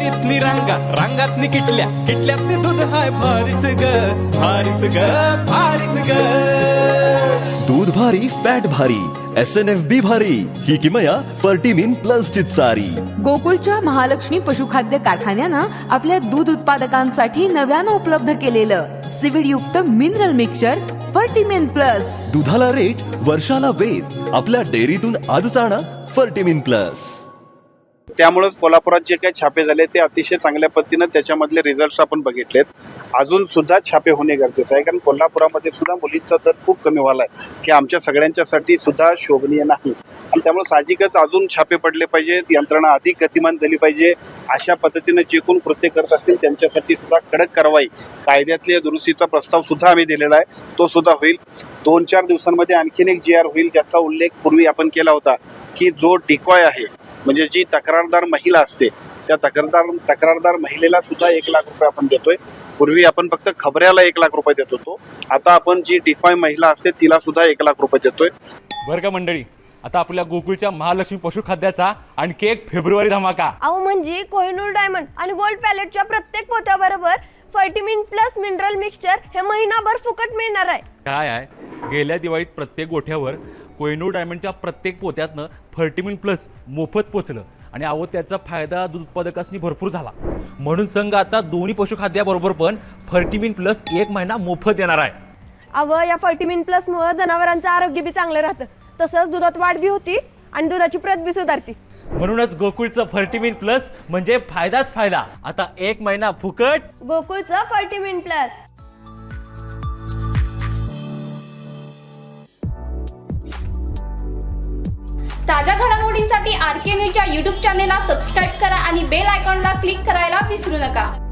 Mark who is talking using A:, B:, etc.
A: डेअरीतनी रांगा रांगातनी किटल्या किटल्यातनी दूध हाय भारीच ग भारीच ग भारीच ग.
B: दूध भारी फॅट भारी SNFB भारी ही किमया फर्टिमिन प्लस ची सारी.
C: गोकुळच्या महालक्ष्मी पशुखाद्य कारखान्यानं आपल्या दूध उत्पादकांसाठी नव्यानं उपलब्ध केलेलं सीवीड युक्त मिनरल मिक्सचर फर्टिमिन प्लस.
B: दुधाला रेट वर्षाला वेद आपल्या डेअरीतून आजच आणा फर्टिमिन प्लस.
D: त्यामुळेच कोल्हापुरात जे काही छापे झाले ते अतिशय चांगल्या पद्धतीनं त्याच्यामधले रिझल्ट्स आपण बघितलेत. अजून सुद्धा छापे होणे गरजेचं आहे, कारण कोल्हापुरामध्ये सुद्धा मुलींचा दर खूप कमी व्हायला आहे, की आमच्या सगळ्यांच्यासाठी सुद्धा शोभनीय नाही. आणि त्यामुळे साहजिकच अजून छापे पडले पाहिजेत, यंत्रणा अधिक गतिमान झाली पाहिजे. अशा पद्धतीनं जे कोण कृत्य करत असतील त्यांच्यासाठी सुद्धा कडक कारवाई कायद्यातल्या दुरुस्तीचा प्रस्ताव सुद्धा आम्ही दिलेला आहे, तो सुद्धा होईल. 2-4 दिवसांमध्ये आणखीन एक GR होईल, ज्याचा उल्लेख पूर्वी आपण केला होता, की जो डिकॉय आहे म्हणजे जी तक्रारदार महिला असते त्या तक्रारदार महिलेला सुद्धा 1 लाख रुपये आपण देतोय. पूर्वी आपण फक्त खबऱ्याला 1 लाख रुपये देत होतो, आता आपण जी डिकॉय महिला असते तिला सुद्धा 1 लाख रुपये देतोय.
E: बरं का मंडळी, आता आपल्या गोकुळच्या महालक्ष्मी पशुखाद्याचा आणखी एक फेब्रुवारी धमाका.
F: अहो म्हणजे कोहिनूर डायमंड आणि गोल्ड पॅलेटच्या प्रत्येक पोत्याबरोबर फर्टिमिन प्लस मिनरल मिक्सचर हे महिनाभर फुकट मिळणार आहे.
E: काय आहे, गेल्या दिवाळीत प्रत्येक गोठ्यावर कोहिनूर डायमंडच्या प्रत्येक पोत्यातनं फर्टिमिन प्लस मोफत पोचलं आणि अहो त्याचा फायदा दूध उत्पादकांनी भरपूर झाला. म्हणून संघ आता दोन्ही पशुखाद्याबरोबर पण फर्टिमिन प्लस 1 महिना मोफत देणार आहे.
F: अहो या फर्टिमिन प्लस मुळे जनावरांचं आरोग्य बी चांगलं राहतं, तसंच दुधात वाढ बी होती आणि दुधाची प्रत बी सुधारती.
E: म्हणूनच गोकुळचं फर्टिमिन प्लस म्हणजे फायदाच फायदा. आता 1 महिना फुकट
F: गोकुळचं फर्टिमिन प्लस.
G: ताज्या घडामोडींसाठी RK न्यूजच्या YouTube चॅनेलला सबस्क्राईब करा आणि बेल आयकॉनला क्लिक करायला विसरू नका.